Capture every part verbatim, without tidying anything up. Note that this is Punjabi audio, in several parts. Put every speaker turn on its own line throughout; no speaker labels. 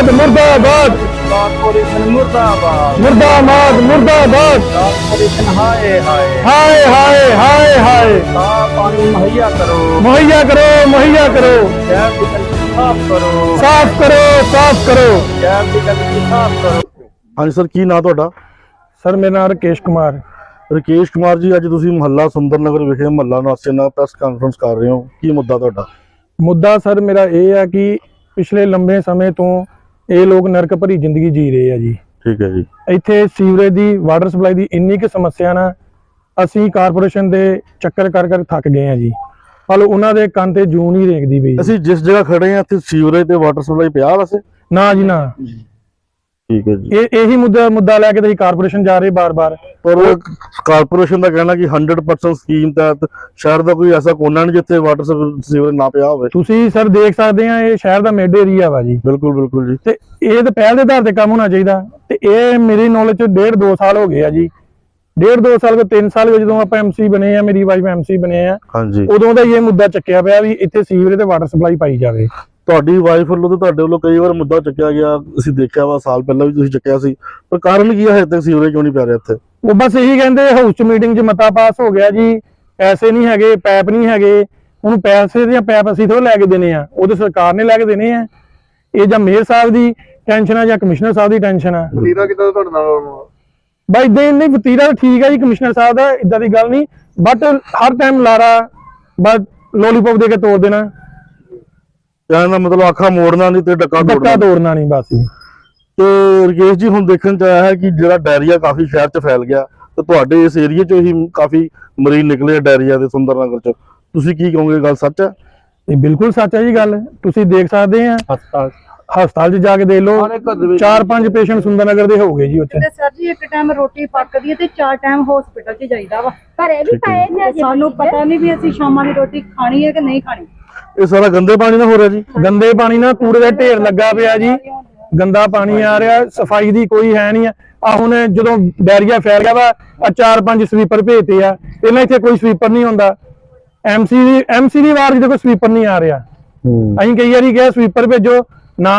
मुर्दाबाद मुर्दाबाद
कारपोरेशन मुर्दाबाद
मुर्दाबाद मुर्दाबाद
कारपोरेशन हाय हाय
हाय हाय हाय हाय
साफ पानी मुहैया करो
मुहैया करो मुहैया करो
शहर की गंदगी साफ करो
साफ करो साफ करो
शहर की गंदगी साफ करो।
ਹਾਂਜੀ ਸਰ, ਕੀ ਨਾਂ ਤੁਹਾਡਾ?
सर मेरा नाम राकेश कुमार।
ਰਕੇਸ਼ ਕੁਮਾਰ ਜੀ, ਅੱਜ ਤੁਸੀਂ ਮੁਹੱਲਾ ਸੁੰਦਰ ਨਗਰ ਵਿਖੇ ਮੁਹੱਲਾ ਨਿਵਾਸੀਆਂ ਨਾਲ ਪ੍ਰੈਸ ਕਾਨਫਰੰਸ ਕਰ ਰਹੇ ਹੋ, ਕੀ ਮੁੱਦਾ ਤੁਹਾਡਾ?
ਮੁੱਦਾ ਸਰ ਮੇਰਾ ਇਹ ਹੈ ਕਿ ਪਿਛਲੇ ਲੰਬੇ ਸਮੇਂ ਤੋਂ ਇਹ ਲੋਕ ਨਰਕ ਭਰੀ ਜ਼ਿੰਦਗੀ ਜੀ ਰਹੇ ਆ ਜੀ।
ਠੀਕ ਹੈ ਜੀ।
ਇੱਥੇ ਸੀਵਰੇਜ ਦੀ ਵਾਟਰ ਸਪਲਾਈ ਦੀ ਇੰਨੀ ਕਿ ਸਮੱਸਿਆ ਨਾ ਅਸੀਂ ਕਾਰਪੋਰੇਸ਼ਨ ਦੇ ਚੱਕਰ ਕਰ ਕਰ ਥੱਕ ਗਏ ਆ ਜੀ। ਪਰ ਉਹਨਾਂ ਦੇ ਕੰਨ ਤੇ ਜੂੰ ਨਹੀਂ ਰੇਕਦੀ ਪਈ।
ਅਸੀਂ ਜਿਸ ਜਗ੍ਹਾ ਖੜੇ ਆ ਇੱਥੇ ਸੀਵਰੇਜ ਤੇ ਵਾਟਰ ਸਪਲਾਈ ਪਿਆ ਵੈਸੇ?
ਨਾ ਜੀ ਨਾ।
ਠੀਕ ਹੈ ਜੀ।
ਇਹ ਇਹੀ ਮੁੱਦਾ ਮੁੱਦਾ ਲੈ ਕੇ ਤੁਸੀਂ ਕਾਰਪੋਰੇਸ਼ਨ ਜਾ ਰਹੇ ਬਾਰ-ਬਾਰ।
ਪਰ ਕਾਰਪੋਰੇਸ਼ਨ ਦਾ ਕਹਿਣਾ ਕਿ ਸੌ ਪਰਸੈਂਟ ਸਕੀਮ ਤਹਿਤ ਸ਼ਹਿਰ ਦਾ ਕੋਈ ਐਸਾ ਕੋਨਾ ਨਹੀਂ ਜਿੱਥੇ ਵਾਟਰ ਸੀਵਰੇਜ ਨਾ ਪਿਆ ਹੋਵੇ।
ਤੁਸੀਂ ਸਰ ਦੇਖ ਸਕਦੇ ਆ ਇਹ ਸ਼ਹਿਰ ਦਾ ਮਿਡ ਏਰੀਆ ਵਾ ਜੀ।
ਬਿਲਕੁਲ ਬਿਲਕੁਲ ਜੀ।
ਤੇ ਇਹ ਤਾਂ ਪਹਿਲ ਦੇ ਆਧਾਰ ਤੇ ਕੰਮ ਹੋਣਾ ਚਾਹੀਦਾ। ਤੇ ਇਹ ਮੇਰੀ ਨੌਲੇਜ ਚ ਡੇਢ ਦੋ ਸਾਲ ਹੋ ਗਏ ਆ ਜੀ। ਡੇਢ ਦੋ ਸਾਲ ਕੋ ਤਿੰਨ ਸਾਲ ਵਿੱਚ ਜਦੋਂ ਆਪਾਂ ਐਮਸੀ ਬਣੇ ਆ, ਮੇਰੀ ਵਾਈਫ ਐਮਸੀ ਬਣੇ ਆ,
ਹਾਂਜੀ,
ਉਦੋਂ ਦਾ ਇਹ ਮੁੱਦਾ ਚੱਕਿਆ ਪਿਆ ਵੀ ਇੱਥੇ ਸੀਵਰੇਜ ਤੇ ਵਾਟਰ ਸਪਲਾਈ ਪਾਈ ਜਾਵੇ।
ਤੁਹਾਡੀ ਵਾਈਫ ਵੱਲੋਂ ਤੇ ਤੁਹਾਡੇ ਵੱਲੋਂ ਕਈ ਵਾਰ ਮੁੱਦਾ ਚੱਕਿਆ ਗਿਆ, ਅਸੀਂ ਦੇਖਿਆ ਵਾ, ਸਾਲ ਪਹਿਲਾਂ ਵੀ ਤੁਸੀਂ ਚੱਕਿਆ ਸੀ, ਪਰ ਕਾਰਨ ਕੀ ਹੈ ਹਜੇ ਤੱਕ ਸੀਵਰੇਜ ਕਿਉਂ ਨਹੀਂ ਪੈ ਰਿਹਾ ਇੱਥੇ?
ਉਹ ਬਸ ਇਹੀ ਕਹਿੰਦੇ ਹਾਊਸ ਚ ਮੀਟਿੰਗ ਚ ਮਤਾ ਪਾਸ ਹੋ ਗਿਆ ਜੀ, ਪੈਸੇ ਨਹੀਂ ਹੈਗੇ, ਪੈਪ ਨਹੀਂ ਹੈਗੇ। ਉਹਨੂੰ ਪੈਸੇ ਦੀਆਂ ਪੈਪ ਅਸੀਂ ਥੋੜਾ ਲੈ ਕੇ ਦੇਣੇ ਆ, ਉਹਦੇ ਸਰਕਾਰ ਨੇ ਲੈ ਕੇ ਦੇਣੇ ਆ। ਇਹ ਜਾਂ ਮੇਅਰ ਸਾਹਿਬ ਦੀ ਟੈਨਸ਼ਨ ਆ ਜਾਂ ਕਮਿਸ਼ਨਰ ਸਾਹਿਬ ਦੀ ਟੈਨਸ਼ਨ ਆ।
ਵਤੀਰਾ ਕਿਦਾਂ ਤੁਹਾਡੇ ਨਾਲ?
ਬਾਈ ਇਦਾਂ ਨਹੀਂ, ਵਤੀਰਾ ਠੀਕ ਹੈ ਜੀ ਕਮਿਸ਼ਨਰ ਸਾਹਿਬ ਦਾ, ਇਦਾਂ ਦੀ ਗੱਲ ਨਹੀਂ, ਬਟ ਹਰ ਟਾਈਮ ਲਾਰਾ ਬਸ ਲੋਲੀਪੌਪ ਦੇ ਕੇ ਤੋੜ ਦੇਣਾ।
ਕਹਿਣ ਦਾ ਮਤਲਬ ਆਖਾ ਮੋੜਨਾ ਨਹੀਂ ਤੇ ਡੱਕਾ
ਡੱਕਾ ਤੋੜਨਾ ਨਹੀਂ ਬਸ।
ਤੇ ਰਕੇਸ਼ ਜੀ, ਹੁਣ ਦੇਖਣ ਚ ਆਇਆ ਹੈ ਕਿ ਜਿਹੜਾ ਡਾਇਰੀਆ ਕਾਫੀ ਸ਼ਹਿਰ ਚ ਫੈਲ ਗਿਆ ਤੇ ਤੁਹਾਡੇ ਇਸ ਏਰੀਆ ਚੋਂ ਹੀ ਕਾਫੀ ਮਰੀਜ਼ ਨਿਕਲੇ ਡਾਇਰੀਆ ਦੇ ਸੁੰਦਰ ਨਗਰ ਚ, ਤੁਸੀਂ ਕੀ ਕਹੋਗੇ? ਗੱਲ ਸੱਚ ਹੈ?
ਇਹ ਬਿਲਕੁਲ ਸੱਚ ਹੈ ਜੀ ਗੱਲ। ਤੁਸੀਂ ਦੇਖ ਸਕਦੇ ਆ
ਹਸਪਤਾਲ
ਹਸਪਤਾਲ 'ਚ ਜਾ ਕੇ ਦੇਖ ਲਓ, ਚਾਰ ਪੰਜ ਪੇਸ਼ੈਂਟ ਸੁੰਦਰ ਨਗਰ ਦੇ ਹੋ ਗਏ ਜੀ ਉੱਥੇ।
ਤੇ ਸਰ ਜੀ ਇੱਕ ਟਾਈਮ ਰੋਟੀ ਪੱਕਦੀ ਹੈ ਤੇ ਚਾਰ ਟਾਈਮ ਹਸਪੀਟਲ 'ਚ ਜਾਈਦਾ ਵਾ। ਘਰੇ ਵੀ ਪਏ ਨੇ, ਸਾਨੂੰ ਪਤਾ ਨਹੀਂ ਵੀ ਅਸੀਂ ਸ਼ਾਮਾਂ ਦੀ ਰੋਟੀ ਖਾਣੀ ਹੈ ਕਿ ਨਹੀਂ ਖਾਣੀ।
ਇਹ ਸਾਰਾ ਗੰਦੇ ਪਾਣੀ ਨਾਲ ਹੋ ਰਿਹਾ ਜੀ?
ਗੰਦੇ ਪਾਣੀ ਨਾਲ ਕੂੜੇ ਦਾ ਢੇਰ ਲੱਗਾ ਪਿਆ ਜੀ, ਗੰਦਾ ਪਾਣੀ ਆ ਰਿਹਾ, ਸਫਾਈ ਦੀ ਕੋਈ ਹੈ ਨਹੀਂ ਆ। ਆ ਹੁਣ ਜਦੋਂ ਡਾਇਰੀਆ ਫੈਲ ਗਿਆ ਵਾ, ਆ ਚਾਰ ਪੰਜ ਸਵੀਪਰ ਭੇਜਤੇ ਆ, ਪਹਿਲਾਂ ਇੱਥੇ ਕੋਈ ਸਵੀਪਰ ਨਹੀਂ ਹੁੰਦਾ। ਐਮਸੀ ਦੀ ਐਮਸੀ ਦੀ ਵਾਰ ਕੋਈ ਸਵੀਪਰ ਨਹੀਂ ਆ ਰਿਹਾ। ਅਸੀਂ ਕਈ ਵਾਰੀ ਕਿਹਾ ਸਵੀਪਰ ਭੇਜੋ ਨਾ।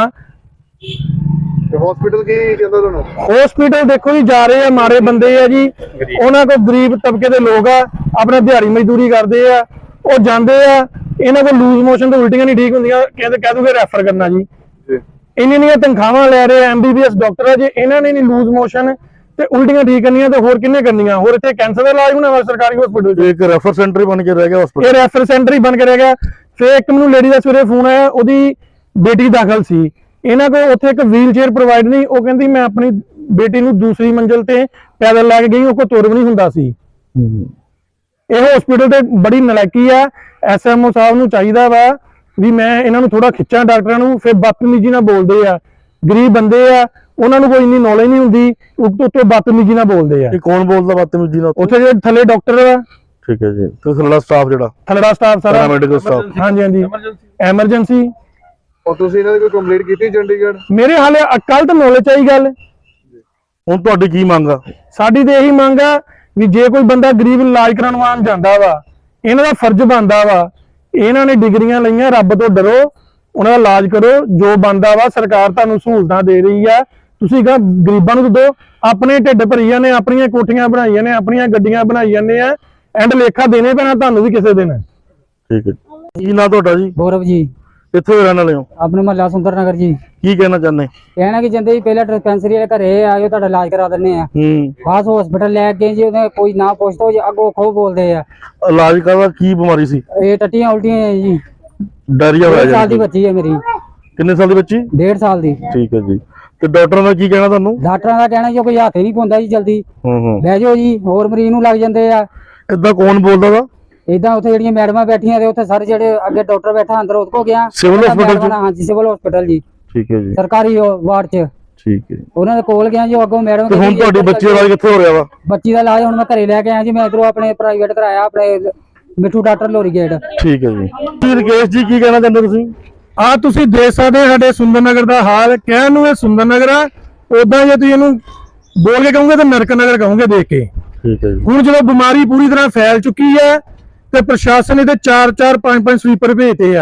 ਹਸਪੀਟਲ ਕੀ ਕਹਿੰਦਾ ਤੁਹਾਨੂੰ?
ਹਸਪੀਟਲ ਦੇਖੋ ਜੀ, ਜਾ ਰਹੇ ਆ, ਮਾਰੇ ਬੰਦੇ ਆ ਜੀ, ਉਹਨਾਂ ਕੋਲ ਗਰੀਬ ਤਬਕੇ ਦੇ ਲੋਕ ਆ, ਆਪਣਾ ਦਿਹਾੜੀ ਮਜ਼ਦੂਰੀ ਕਰਦੇ ਆ, ਉਹ ਜਾਂਦੇ ਆ, ਇਹਨਾਂ ਕੋਲ ਲੂਜ਼ ਮੋਸ਼ਨ ਤੋਂ ਉਲਟੀਆਂ ਨਹੀਂ ਠੀਕ ਹੁੰਦੀਆਂ, ਕਹਿੰਦੇ ਕਹਿ ਦੂਗੇ ਰੈਫਰ ਕਰਨਾ ਜੀ। ਇੰਨੀ ਇੰਨੀਆਂ ਤਨਖਾਹਾਂ ਲੈ ਰਹੇ ਐਮਬੀਬੀਐਸ ਡਾਕਟਰ ਆ, ਜੇ ਇਹਨਾਂ ਨੇ ਨਹੀਂ ਲੂਜ਼ ਮੋਸ਼ਨ ਤੇ ਉਲਟੀਆਂ ਠੀਕ ਕਰਨੀਆਂ ਤੇ ਹੋਰ ਕਿੰਨੇ ਕਰਨੀਆਂ? ਹੋਰ ਇੱਥੇ ਕੈਂਸਰ ਦਾ ਇਲਾਜ ਹੋਣਾ ਵਾ ਸਰਕਾਰੀ ਹਸਪੀਟਲ 'ਚ।
ਇੱਕ ਰੈਫਰ ਸੈਂਟਰ ਬਣ ਕੇ ਰਹਿ ਗਿਆ ਹਸਪੀਟਲ।
ਇਹ ਰੈਫਰ ਸੈਂਟਰ ਹੀ ਬਣ ਕੇ ਰਹਿ ਗਿਆ। ਫਿਰ ਇੱਕ ਮੈਨੂੰ ਲੇਡੀ ਦਾ ਸਵੇਰੇ ਫੋਨ ਆਇਆ, ਉਹਦੀ ਬੇਟੀ ਦਾਖਲ ਸੀ, ਇਹਨਾਂ ਕੋਲ ਉੱਥੇ ਇੱਕ ਵੀਲ ਚੇਅਰ ਪ੍ਰੋਵਾਈਡ ਨਹੀਂ। ਉਹ ਕਹਿੰਦੀ ਮੈਂ ਆਪਣੀ ਬੇਟੀ ਨੂੰ ਦੂਸਰੀ ਮੰਜ਼ਿਲ ਤੇ ਪੈਦਲ ਲੈ ਕੇ ਗਈ, ਉਹ ਕੋਲ ਤੁਰ ਵੀ ਨਹੀਂ ਹੁੰਦਾ ਸੀ। ਇਹ ਹਸਪੀਟਲ ਤੇ ਬੜੀ ਨਲਾਇਕੀ ਆ। ਐਸਐਮਓ ਸਾਹਿਬ ਨੂੰ ਚਾਹੀਦਾ ਵਾ ਵੀ ਮੈਂ ਇਹਨਾਂ ਨੂੰ ਥੋੜਾ ਖਿੱਚਾਂ ਡਾਕਟਰਾਂ ਨੂੰ। ਫਿਰ ਬਦਤਮੀਜੀ ਨਾਲ ਬੋਲਦੇ ਆ, ਗਰੀਬ ਬੰਦੇ ਆ, ਉਹਨਾਂ ਨੂੰ ਕੋਈ ਇੰਨੀ ਨੌਲੇਜ ਨਹੀਂ ਹੁੰਦੀ, ਉੱਤੋਂ ਬਦਤਮੀਜੀ ਨਾਲ ਬੋਲਦੇ ਆ।
ਇਹ ਕੌਣ ਬੋਲਦਾ ਬਦਤਮੀਜੀ ਨਾਲ?
ਉੱਥੇ ਜਿਹੜੇ ਥੱਲੇ ਡਾਕਟਰ ਆ।
ਠੀਕ ਹੈ ਜੀ। ਤੇ ਥੱਲੜਾ ਸਟਾਫ ਜਿਹੜਾ
ਥੱਲੜਾ ਸਟਾਫ ਸਾਰਾ
ਮੈਡੀਕਲ ਸਟਾਫ।
ਹਾਂਜੀ ਹਾਂਜੀ, ਐਮਰਜੈਂਸੀ।
ਔਰ ਤੁਸੀਂ ਇਹਨਾਂ ਦੀ ਕੋਈ ਕੰਪਲੇਂਟ ਕੀਤੀ ਚੰਡੀਗੜ੍ਹ?
ਮੇਰੇ ਹਾਲੇ ਕੱਲ ਤਾਂ ਨੌਲੇਜ ਆਈ ਗੱਲ।
ਹੁਣ ਤੁਹਾਡੀ ਕੀ ਮੰਗ ਆ?
ਸਾਡੀ ਤੇ ਇਹੀ ਮੰਗ ਆ ਵੀ ਜੇ ਕੋਈ ਬੰਦਾ ਗਰੀਬ ਇਲਾਜ ਕਰਾਉਣ ਜਾਂਦਾ ਵਾ, ਇਹਨਾਂ ਦਾ ਫਰਜ਼ ਬਣਦਾ ਵਾ, ਇਹਨਾਂ ਨੇ ਡਿਗਰੀਆਂ ਲਈਆਂ, ਰੱਬ ਤੋਂ ਡਰੋ, ਉਹਨਾਂ ਦਾ ਇਲਾਜ ਕਰੋ, ਜੋ ਬਣਦਾ ਵਾ। ਸਰਕਾਰ ਤੁਹਾਨੂੰ ਸਹੂਲਤਾਂ ਦੇ ਰਹੀ ਆ, ਤੁਸੀਂ ਕਹਾਂ ਗਰੀਬਾਂ ਨੂੰ ਦਿਓ। ਆਪਣੇ ਢਿੱਡ ਭਰੀ ਜਾਂਦੇ, ਆਪਣੀਆਂ ਕੋਠੀਆਂ ਬਣਾਈ ਨੇ, ਆਪਣੀਆਂ ਗੱਡੀਆਂ ਬਣਾਈ ਜਾਂਦੇ ਆ, ਐਂਡ ਲੇਖਾ ਦੇਣੇ ਪੈਣਾ ਤੁਹਾਨੂੰ ਵੀ ਕਿਸੇ ਦਿਨ।
ਠੀਕ ਹੈ। ਕੀ ਨਾਂ ਤੁਹਾਡਾ ਜੀ?
गौरव जी,
ਕਿੱਥੇ ਰਹਿਣ ਵਾਲੇ ਹੋ?
अपने महला सुंदर नगर जी।
ਕੀ ਕਹਿਣਾ ਚਾਹੁੰਦੇ?
कहना कि जंदे ही पहले डिस्पेंसरी वाले घरे आयो तुहाडा इलाज करा दिंदे आ,
ਹੂੰ।
खास हॉस्पिटल ले गए जी, ਉਹਨੇ ਕੋਈ ਨਾ ਪੁੱਛਦਾ ਜੀ, ਅੱਗੋਂ ਖੋ ਬੋਲਦੇ ਆ।
ਇਲਾਜ ਕਰਦਾ ਕੀ ਬਿਮਾਰੀ ਸੀ?
ਇਹ ਟੱਟੀਆਂ ਉਲਟੀਆਂ ਹੈ ਜੀ।
ਡਾਇਰੀਆ ਹੋਇਆ
ਡੇਢ ਸਾਲ ਦੀ
ਜੀ?
ਬੱਚੀ ਹੈ ਮੇਰੀ।
ਕਿੰਨੇ ਸਾਲ ਦੀ ਬੱਚੀ?
ਡੇਢ ਸਾਲ ਦੀ।
ਠੀਕ ਹੈ ਜੀ। ਤੇ ਡਾਕਟਰਾਂ ਦਾ ਕੀ ਕਹਿਣਾ ਤੁਹਾਨੂੰ?
ਡਾਕਟਰਾਂ ਦਾ ਕਹਿਣਾ ਜੀ ਕੋਈ ਹੱਥ ਹੀ ਨਹੀਂ ਪਾਉਂਦਾ ਜੀ, ਜਲਦੀ
ਹੂੰ ਹੂੰ।
ਬਹਿ ਜਾਓ ਜੀ, ਹੋਰ ਮਰੀਜ਼ ਨੂੰ ਲੱਗ ਜਾਂਦੇ ਆ।
ਇਦਾਂ ਕੌਣ ਬੋਲਦਾ ਵਾ?
ਇਦਾਂ ਉੱਥੇ ਜਿਹੜੀਆਂ ਮੈਡਮਾਂ ਬੈਠੀਆਂ ਤੇ ਉੱਥੇ ਸਾਰੇ ਜਿਹੜੇ ਅੱਗੇ ਡਾਕਟਰ ਬੈਠਾ ਅੰਦਰ ਉਹਦੇ ਕੋ ਗਿਆ।
ਸਿਵਲ ਹਸਪੀਟਲ ਚ?
ਹਾਂਜੀ ਸਿਵਲ ਹਸਪੀਟਲ ਜੀ,
ਠੀਕ ਹੈ ਜੀ।
ਸਰਕਾਰੀ ਵਾਰਡ ਚ।
ਠੀਕ ਹੈ।
ਉਹਨਾਂ ਦੇ ਕੋਲ ਗਿਆ ਜੀ, ਅੱਗੋਂ ਮੈਡਮ।
ਤੇ ਹੁਣ ਤੁਹਾਡੀ ਬੱਚੀ ਦਾ ਇਲਾਜ ਕਿੱਥੇ ਹੋ ਰਿਹਾ ਵਾ?
ਬੱਚੀ ਦਾ ਇਲਾਜ ਹੁਣ ਮੈਂ ਘਰੇ ਲੈ ਕੇ ਆਇਆ ਜੀ, ਮੈਂ ਇਧਰੋਂ ਆਪਣੇ ਪ੍ਰਾਈਵੇਟ ਕਰਾਇਆ, ਆਪਣੇ ਮਿੱਠੂ ਡਾਕਟਰ ਲੋਰੀ ਗੇਟ।
ਠੀਕ ਹੈ ਜੀ। ਜੀ ਰਕੇਸ਼ ਜੀ, ਕੀ ਕਹਿਣਾ ਚਾਹੁੰਦੇ ਤੁਸੀਂ?
ਆ ਤੁਸੀਂ ਦੇਖ ਸਕਦੇ ਸਾਡੇ ਸੁੰਦਰ ਨਗਰ ਦਾ ਹਾਲ। ਕਹਿਣ ਨੂੰ ਇਹ ਸੁੰਦਰ ਨਗਰ ਆ, ਉਦਾਂ ਜੇ ਤੁਸੀਂ ਇਹਨੂੰ ਬੋਲ ਕੇ ਕਹੋਗੇ ਤਾਂ ਨਰਕ ਨਗਰ ਕਹੋਗੇ ਦੇਖ ਕੇ।
ਠੀਕ ਹੈ ਜੀ।
ਹੁਣ ਜਦੋਂ ਬਿਮਾਰੀ ਪੂਰੀ ਤਰ੍ਹਾਂ ਫੈਲ ਚੁੱਕੀ ਹੈ ਤੇ ਪ੍ਰਸ਼ਾਸਨ ਇਹਦੇ ਚਾਰ ਚਾਰ ਪੰਜ ਪੰਜ ਸਵੀਪਰ ਭੇਜਦੇ ਆ।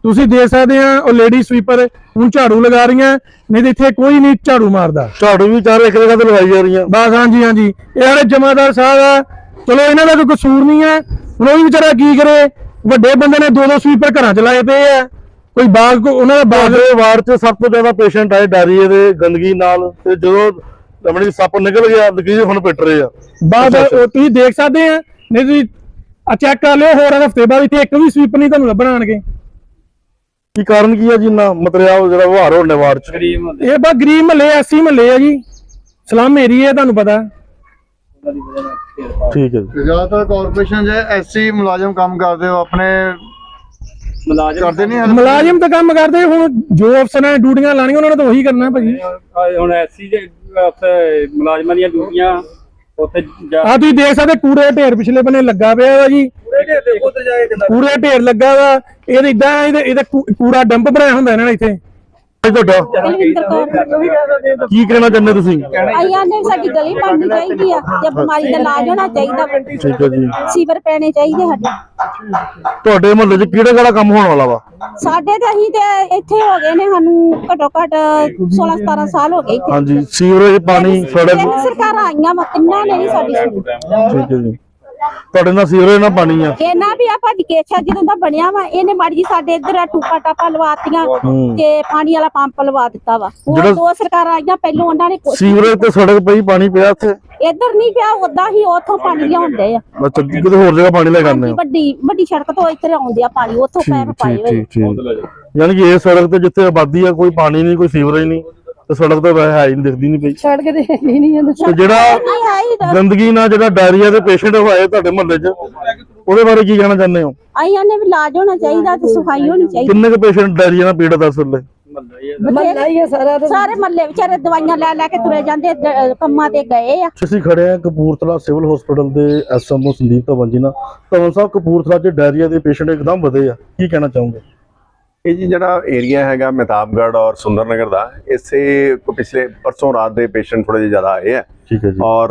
ਤੁਸੀਂ ਦੇਖ ਸਕਦੇ ਆ ਉਹ ਲੇਡੀ ਸਵੀਪਰ ਹੁਣ ਝਾੜੂ ਲਗਾ ਰਹੀਆਂ, ਨਹੀਂ ਤੇ ਇੱਥੇ ਕੋਈ ਨਹੀਂ ਝਾੜੂ ਮਾਰਦਾ।
ਝਾੜੂ ਵੀ ਚਾਰ ਇੱਕ ਜਗ੍ਹਾ ਤੇ ਲਵਾਈ ਜਾ ਰਹੀਆਂ
ਬਸ ਹਾਂਜੀ ਹਾਂਜੀ ਇਹ ਸਾਡੇ ਜਮਾਦਾਰ ਸਾਹਿਬ ਆ, ਚਲੋ ਇਹਨਾਂ ਦਾ ਕੋਈ ਕਸੂਰ ਨਹੀਂ ਹੈ, ਹੁਣ ਉਹ ਵੀ ਵਿਚਾਰਾ ਕੀ ਕਰੇ। ਵੱਡੇ ਬੰਦੇ ਨੇ ਦੋ ਦੋ ਸਵੀਪਰ ਘਰਾਂ ਚ ਲਾਏ ਪਏ ਆ, ਕੋਈ ਬਾਗ ਕੋ ਉਹਨਾਂ ਦਾ ਬਾਗ
ਬਾਗੇ ਵਾਰਡ 'ਚ ਸਭ ਤੋਂ ਜ਼ਿਆਦਾ ਪੇਸ਼ੈਂਟ ਆਏ ਡਾਇਰੀਏ ਦੇ ਗੰਦਗੀ ਨਾਲ, ਤੇ ਜਦੋਂ ਆਪਣੀ ਸੱਪ ਨਿਕਲ ਗਿਆ ਲਕੀਰ ਹੁਣ ਪਿੱਟ ਰਹੇ ਆ।
ਬਾਅਦ ਉਹ ਤੁਸੀਂ ਦੇਖ ਸਕਦੇ ਆ, ਨਹੀਂ ਤੁਸੀਂ ਆ ਚੈੱਕ ਕਰ ਲਿਓ ਹੋਰ ਹਫਤੇ ਬਾਅਦ ਇੱਥੇ ਇੱਕ ਵੀ ਸਵੀਪ ਨਹੀਂ ਤੁਹਾਨੂੰ ਲੱਭਣ ਆਣਗੇ।
ਕੀ ਕਾਰਨ ਕੀ ਆ ਜੀ ਇੰਨਾ ਮਤਰਿਆ ਜਿਹੜਾ ਵਹਾਰ ਹੋਣ ਨੇ ਵਾਰਡ 'ਚ?
ਇਹ ਬਸ ਗਰੀਬ ਮਹੱਲੇ ਐਸੀ ਮਹੱਲੇ ਆ ਜੀ, ਸਲਮ ਏਰੀਆ ਤੁਹਾਨੂੰ ਪਤਾ।
ਠੀਕ ਹੈ ਜੀ।
ਜ਼ਿਆਦਾਤਰ ਕਾਰਪੋਰੇਸ਼ਨ 'ਚ ਐਸਸੀ ਮੁਲਾਜ਼ਮ ਕੰਮ ਕਰਦੇ ਹੋ, ਆਪਣੇ ਮੁਲਾਜ਼ਮ ਕਰਦੇ ਨਹੀਂ।
ਮੁਲਾਜ਼ਮ ਤਾਂ ਕੰਮ ਕਰਦੇ, ਹੁਣ ਜੋ ਅਫਸਰਾਂ ਡਿਊਟੀਆਂ ਲਾਣੀਆਂ ਉਹਨਾਂ ਨੇ ਤਾਂ ਉਹੀ ਕਰਨਾ ਭਾਜੀ।
ਹੁਣ ਐਸੀ ਜੇ ਉੱਥੇ ਮੁਲਾਜ਼ਮਾਂ ਦੀਆਂ ਡਿਊਟੀਆਂ ਉੱਥੇ
ਆ ਤੁਸੀਂ ਦੇਖ ਸਕਦੇ ਕੂੜੇ ਦਾ ਢੇਰ ਪਿਛਲੇ ਬੰਨੇ ਲੱਗਾ ਪਿਆ ਵਾ ਜੀ, ਕੂੜੇ ਦਾ ਢੇਰ ਲੱਗਾ ਵਾ। ਇਹ ਇਦਾਂ ਇਹਦੇ ਇਹਦਾ ਕੂੜਾ ਡੰਪ ਬਣਾਇਆ ਹੁੰਦਾ ਇਹਨਾਂ ਨੇ ਇੱਥੇ।
ਤੁਹਾਡਾ
ਕੁਲਵਿੰਦਰ ਕੌਰ
ਕੀ ਕਹਿਣਾ ਚਾਹੁੰਦੇ ਤੁਸੀਂ?
ਆਈਆਂ ਨੇ ਸਾਡੀ ਗਲੀ ਬਣਨੀ ਚਾਹੀਦੀ ਆ ਤੇ ਬਿਮਾਰੀ ਦਾ ਇਲਾਜ ਹੋਣਾ ਚਾਹੀਦਾ।
ਠੀਕ ਹੈ ਜੀ।
ਸੀਵਰ ਪੈਣੇ ਚਾਹੀਦੇ ਸਾਡੇ।
ਤੁਹਾਡੇ ਮੁਹੱਲੇ 'ਚ ਕਿਹੜਾ ਕਿਹੜਾ ਕੰਮ ਹੋਣ ਵਾਲਾ ਵਾ?
ਸਾਡੇ ਤੇ ਅਸੀਂ ਤੇ ਇੱਥੇ ਹੋ ਗਏ ਨੇ, ਸਾਨੂੰ ਘੱਟੋ ਘੱਟ ਸੋਲਾਂ ਸਤਾਰਾਂ ਸਾਲ ਹੋ ਗਏ ਇੱਥੇ।
ਹਾਂਜੀ, ਸੀਵਰੇਜ, ਪਾਣੀ, ਸੜਕ।
ਤਿੰਨ ਸਰਕਾਰਾਂ ਆਈਆਂ ਵਾ, ਤਿੰਨਾਂ ਨੇ ਨਹੀਂ ਸਾਡੀ ਸੁਣੀ।
ਠੀਕ ਹੈ ਜੀ। ਤੁਹਾਡੇ ਨਾਲ ਸੀਵਰੇਜ ਨਾਲ ਪਾਣੀ ਆ?
ਇਹਨਾਂ ਵੀ ਆ ਭਾਜੀ ਕੇਛਾ ਜਦੋਂ ਦਾ ਬਣਿਆ ਵਾ, ਇਹਨੇ ਮਾੜੀ ਜੀ ਸਾਡੇ ਇੱਧਰ ਆ ਟੂਪਾ ਟਾਪਾ ਲਵਾਤੀਆਂ ਤੇ ਪਾਣੀ ਵਾਲਾ ਪੰਪ ਲਵਾ ਦਿੱਤਾ ਵਾ। ਉਹ ਦੋ ਸਰਕਾਰਾਂ ਆਈਆਂ ਪਹਿਲੋਂ, ਉਹਨਾਂ ਨੇ ਕੁਛ-
ਸੀਵਰੇਜ ਤੇ ਸੜਕ ਪਈ, ਪਾਣੀ ਪਿਆ ਇੱਥੇ?
ਇੱਧਰ ਨਹੀਂ ਪਿਆ, ਉਦਾਂ ਹੀ ਉੱਥੋਂ ਪਾਣੀ ਲਿਆਉਂਦੇ ਆ।
ਅੱਛਾ, ਕਿਤੇ ਹੋਰ ਜਗ੍ਹਾ ਪਾਣੀ ਲੈ ਕੇ ਆਉਂਦੇ ਹੋ?
ਵੱਡੀ ਵੱਡੀ ਸੜਕ ਤੋਂ ਇੱਧਰ ਆਉਂਦੇ ਆ ਪਾਣੀ, ਉੱਥੋਂ ਪੈਪ ਪਾਏ ਹੋਏ।
ਠੀਕ ਠੀਕ। ਯਾਨੀ ਕਿ ਇਹ ਸੜਕ ਤੇ ਜਿੱਥੇ ਆਬਾਦੀ ਆ ਕੋਈ ਪਾਣੀ ਨਹੀਂ, ਕੋਈ ਸੀਵਰੇਜ ਨਹੀਂ, ਤੇ ਸੜਕ ਤਾਂ ਵੈਸੇ ਹੈ ਹੀ ਨਹੀਂ, ਦਿਖਦੀ ਨਹੀਂ ਪਈ।
ਸੜਕ ਤੇ ਹੀ ਨਹੀਂ ਜਾਂਦਾ।
ਤੇ ਜਿਹੜਾ
ਨਹੀਂ ਹੈ ਹੀ
ਗੰਦਗੀ ਨਾਲ ਜਿਹੜਾ ਡਾਇਰੀਆ ਦੇ ਪੇਸ਼ੈਂਟ ਹੋਏ ਤੁਹਾਡੇ ਮੁਹੱਲੇ 'ਚ, ਉਹਦੇ ਬਾਰੇ ਕੀ ਕਹਿਣਾ ਚਾਹੁੰਦੇ ਹੋ?
ਆਈਆਂ ਨੇ ਵੀ ਇਲਾਜ ਹੋਣਾ ਚਾਹੀਦਾ ਤੇ ਸਫਾਈ ਹੋਣੀ ਚਾਹੀਦੀ।
ਕਿੰਨੇ ਕੁ ਪੇਸ਼ੈਂਟ ਡਾਇਰੀਆ ਨਾਲ ਪੀੜਤ ਆ ਇਸ ਵੇਲੇ?
ਮਹੱਲਾ ਹੀ ਹੈ ਸਾਰਾ।
ਸਾਰੇ ਮੱਲੇ ਵਿਚਾਰੇ ਦਵਾਈਆਂ ਲੈ ਲੈ ਕੇ ਤੁਰੇ ਜਾਂਦੇ, ਦ- ਕੰਮਾਂ ਤੇ ਗਏ ਆ।
ਅਸੀਂ ਖੜੇ ਆ ਕਪੂਰਥਲਾ ਸਿਵਲ ਹਸਪੀਟਲ ਦੇ ਐਸਐਮਓ ਸੰਦੀਪ ਧਵਨ ਜੀ ਨਾਲ। ਧਵਨ ਸਾਹਿਬ, ਕਪੂਰਥਲਾ 'ਚ ਡਾਇਰੀਆ ਦੇ ਪੇਸ਼ੈਂਟ ਇੱਕਦਮ ਵਧੇ ਆ, ਕੀ ਕਹਿਣਾ ਚਾਹੋਗੇ?
ਇਹ ਜੀ ਜਿਹੜਾ ਏਰੀਆ ਹੈਗਾ ਮਹਿਤਾਬਗੜ੍ਹ ਔਰ ਸੁੰਦਰ ਨਗਰ ਦਾ, ਇਸੇ ਪਿਛਲੇ ਪਰਸੋਂ ਰਾਤ ਦੇ ਪੇਸ਼ੈਂਟ ਥੋੜੇ ਜਿਹੇ ਜ਼ਿਆਦਾ ਆਏ ਹੈ
ਠੀਕ ਹੈ ਜੀ।
ਔਰ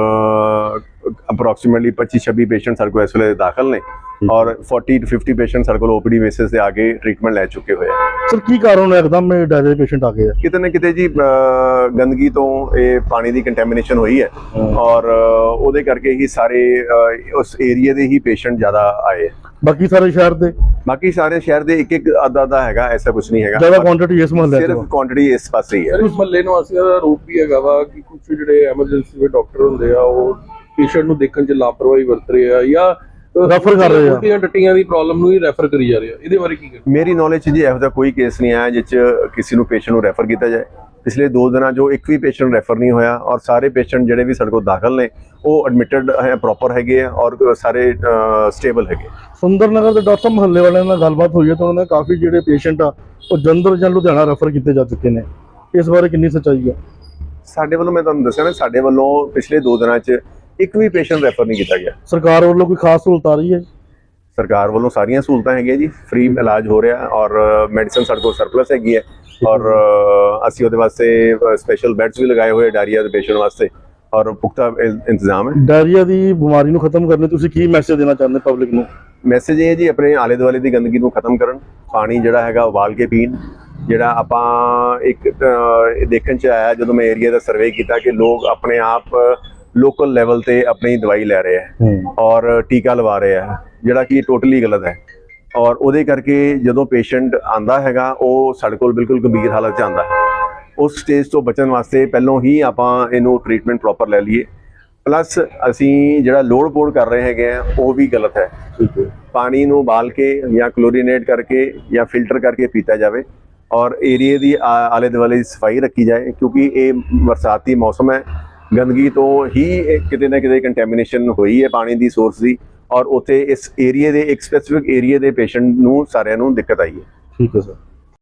ਅਪਰੋਕਸੀਮੇਟਲੀ पच्चीस छब्बीस पेशेंट ਸਾਡੇ ਕੋਲ ਇਸ ਵੇਲੇ ਦਾਖਲ ਨੇ ਔਰ चालीस टू पचास पेशेंट ਸਾਡੇ ਕੋਲ ਓਪੀਡੀ ਬੇਸਿਸ ਤੇ ਆ ਕੇ ਟ੍ਰੀਟਮੈਂਟ ਲੈ ਚੁੱਕੇ ਹੋਏ ਆ।
ਸਰ, ਕੀ ਕਾਰਨ ਹੈ ਇੱਕਦਮ ਇਹ ਡਾਇਰੀਆ ਦੇ ਪੇਸ਼ੈਂਟ ਆ ਗਏ ਆ?
ਕਿਤੇ ਨਾ ਕਿਤੇ ਜੀ ਅਹ, ਗੰਦਗੀ ਤੋਂ ਇਹ ਪਾਣੀ ਦੀ ਕੰਟੈਮੀਨੇਸ਼ਨ ਹੋਈ ਹੈ ਔਰ ਅਹ, ਉਹਦੇ ਕਰਕੇ ਹੀ ਸਾਰੇ ਅਹ, ਉਸ ਏਰੀਆ ਦੇ ਹੀ ਪੇਸ਼ੈਂਟ ਜ਼ਿਆਦਾ ਆਏ।
ਬਾਕੀ ਸਾਰੇ ਸ਼ਹਿਰ ਦੇ?
ਬਾਕੀ ਸਾਰੇ ਸ਼ਹਿਰ ਦੇ ਇੱਕ ਇੱਕ ਅੱਧਾ ਅੱਧਾ ਹੈਗਾ, ਐਸਾ ਕੁਝ ਨਹੀਂ ਹੈਗਾ।
ਜ਼ਿਆਦਾ ਕੁਆਂਟੀਟੀ ਇਸ ਮੁਹੱਲੇ 'ਚ
ਸਿਰਫ ਕੁਆਂਟੀਟੀ ਇਸ ਪਾਸੇ ਹੀ ਹੈ।
ਉਸ ਮਹੱਲੇ ਨਿਵਾਸੀਆਂ ਦਾ ਰੂਪ ਵੀ ਹੈਗਾ ਵਾ ਕਿ ਕੁਝ ਜਿਹੜੇ ਐਮਰਜੈਂਸੀ ਦੇ ਡਾਕਟਰ ਹੁੰਦੇ ਆ ਉਹ ਪੇਸ਼ੈਂਟ ਨੂੰ ਦੇਖਣ 'ਚ ਲਾਪਰਵਾਹੀ ਵਰਤ ਰਹੇ ਆ ਜਾਂ
ਰੈਫਰ ਕਰ ਰਹੇ ਆ,
ਉਲਟੀਆਂ ਟੱਟੀਆਂ ਦੀ ਪ੍ਰੋਬਲਮ ਨੂੰ ਹੀ ਰੈਫਰ ਕਰੀ ਜਾ ਰਹੇ ਆ। ਇਹਦੇ ਬਾਰੇ ਕੀ ਕਹਿਣਾ?
ਮੇਰੀ ਨੌਲੇਜ 'ਚ ਜੀ ਇਹੋ ਜਿਹਾ ਕੋਈ ਕੇਸ ਨਹੀਂ ਆਇਆ ਜਿਸ 'ਚ ਕਿਸੇ ਨੂੰ ਪੇਸ਼ੈਂਟ ਨੂੰ ਰੈਫਰ ਕੀਤਾ ਜਾਏ। ਪਿਛਲੇ ਦੋ ਦਿਨਾਂ 'ਚੋਂ ਇੱਕ ਵੀ ਪੇਸ਼ੈਂਟ ਰੈਫਰ ਨਹੀਂ ਹੋਇਆ ਔਰ ਸਾਰੇ ਪੇਸ਼ੈਂਟ ਜਿਹੜੇ ਵੀ ਸਾਡੇ ਕੋਲ ਦਾਖਲ ਨੇ ਉਹ ਐਡਮਿਟਡ ਹੈ, ਪ੍ਰੋਪਰ ਹੈਗੇ ਆ ਔਰ ਸਾਰੇ ਸਟੇਬਲ ਹੈਗੇ।
ਸੁੰਦਰ ਨਗਰ ਦੇ ਡਾਕਟਰ ਮੁਹੱਲੇ ਵਾਲਿਆਂ ਨਾਲ ਗੱਲਬਾਤ ਹੋਈ ਹੈ ਤਾਂ ਉਹਨਾਂ ਨੇ ਕਾਫੀ ਜਿਹੜੇ ਪੇਸ਼ੈਂਟ ਆ ਉਹ ਜਲੰਧਰ ਜਾਂ ਲੁਧਿਆਣਾ ਰੈਫਰ ਕੀਤੇ ਜਾ ਚੁੱਕੇ ਨੇ, ਇਸ ਬਾਰੇ ਕਿੰਨੀ ਸੱਚਾਈ ਹੈ?
ਸਾਡੇ ਵੱਲੋਂ ਮੈਂ ਤੁਹਾਨੂੰ ਦੱਸਿਆ ਨਾ, ਸਾਡੇ ਵੱਲੋਂ ਪਿਛਲੇ ਦੋ ਦਿਨਾਂ 'ਚ ਇੱਕ ਵੀ ਪੇਸ਼ੈਂਟ ਰੈਫਰ ਨਹੀਂ ਕੀਤਾ ਗਿਆ।
ਸਰਕਾਰ ਵੱਲੋਂ ਕੋਈ ਖਾਸ ਸਹੂਲਤ ਆ ਰਹੀ ਹੈ?
ਸਰਕਾਰ ਵੱਲੋਂ ਸਾਰੀਆਂ ਸਹੂਲਤਾਂ ਹੈਗੀਆਂ ਜੀ, ਫ੍ਰੀ ਇਲਾਜ ਹੋ ਰਿਹਾ ਔਰ ਮੈਡੀਸਨ ਸਾਡੇ ਕੋਲ ਸਰਪਲਸ ਹੈਗੀ ਹੈ ਔਰ ਅ, ਅਸੀਂ ਉਹਦੇ ਵਾਸਤੇ ਸਪੈਸ਼ਲ ਬੈੱਡਸ ਵੀ ਲਗਾਏ ਹੋਏ ਡਾਇਰੀਆ ਦੇ ਪੇਸ਼ੈਂਟ ਵਾਸਤੇ ਔਰ ਪੁਖਤਾ ਇ- ਇੰਤਜ਼ਾਮ ਹੈ।
ਡਾਇਰੀਆ ਦੀ ਬਿਮਾਰੀ ਨੂੰ ਖਤਮ ਕਰਨ ਲਈ ਤੁਸੀਂ ਕੀ ਮੈਸੇਜ ਦੇਣਾ ਚਾਹੁੰਦੇ ਪਬਲਿਕ ਨੂੰ?
ਮੈਸੇਜ ਇਹ ਹੈ ਜੀ, ਆਪਣੇ ਆਲੇ ਦੁਆਲੇ ਦੀ ਗੰਦਗੀ ਨੂੰ ਖਤਮ ਕਰਨ, ਪਾਣੀ ਜਿਹੜਾ ਹੈਗਾ ਉਬਾਲ ਕੇ ਪੀਣ। ਜਿਹੜਾ ਆਪਾਂ ਇੱਕ ਅ, ਦੇਖਣ 'ਚ ਆਇਆ ਜਦੋਂ ਮੈਂ ਏਰੀਆ ਦਾ ਸਰਵੇ ਕੀਤਾ ਕਿ ਲੋਕ ਆਪਣੇ ਆਪ ਲੋਕਲ ਲੈਵਲ ਤੇ ਆਪਣੀ ਦਵਾਈ ਲੈ ਰਹੇ ਹੈ ਔਰ ਟੀਕਾ ਲਵਾ ਰਹੇ ਹੈ, ਜਿਹੜਾ ਕਿ ਟੋਟਲੀ ਗਲਤ ਹੈ ਔਰ ਉਹਦੇ ਕਰਕੇ ਜਦੋਂ ਪੇਸ਼ੈਂਟ ਆਂਦਾ ਹੈਗਾ ਉਹ ਸਾਡੇ ਕੋਲ ਬਿਲਕੁਲ ਗੰਭੀਰ ਹਾਲਤ 'ਚ ਆਂਦਾ ਹੈ। ਉਸ ਸਟੇਜ ਤੋਂ ਬਚਣ ਵਾਸਤੇ ਪਹਿਲੋਂ ਹੀ ਆਪਾਂ ਇਹਨੂੰ ਟ੍ਰੀਟਮੈਂਟ ਪ੍ਰੋਪਰ ਲੈ ਲਈਏ। ਪਲੱਸ ਅਸੀਂ ਜਿਹੜਾ ਲੋੜ ਪੋੜ ਕਰ ਰਹੇ ਹੈਗੇ ਆ ਉਹ ਵੀ ਗਲਤ ਹੈ। ਪਾਣੀ ਨੂੰ ਉਬਾਲ ਕੇ ਜਾਂ ਕਲੋਰੀਨੇਟ ਕਰਕੇ ਜਾਂ ਫਿਲਟਰ ਕਰਕੇ ਪੀਤਾ ਜਾਵੇ ਔਰ ਏਰੀਏ ਦੀ ਆ- ਆਲੇ ਦੁਆਲੇ ਦੀ ਸਫਾਈ ਰੱਖੀ ਜਾਏ, ਕਿਉਂਕਿ ਇਹ ਬਰਸਾਤੀ ਮੌਸਮ ਹੈ। ਗੰਦਗੀ ਤੋਂ ਹੀ ਇਹ ਕਿਤੇ ਨਾ ਕਿਤੇ ਕੰਟੈਮੀਨੇਸ਼ਨ ਹੋਈ ਹੈ ਪਾਣੀ ਦੀ ਸੋਰਸ ਦੀ ਔਰ ਉੱਥੇ ਇਸ ਏਰੀਏ ਦੇ ਇੱਕ ਸਪੈਸੀਫਿਕ ਏਰੀਏ ਦੇ ਪੇਸ਼ੈਂਟ ਨੂੰ ਸਾਰਿਆਂ ਨੂੰ ਦਿੱਕਤ ਆਈ ਹੈ।
ਠੀਕ ਹੈ ਸਰ।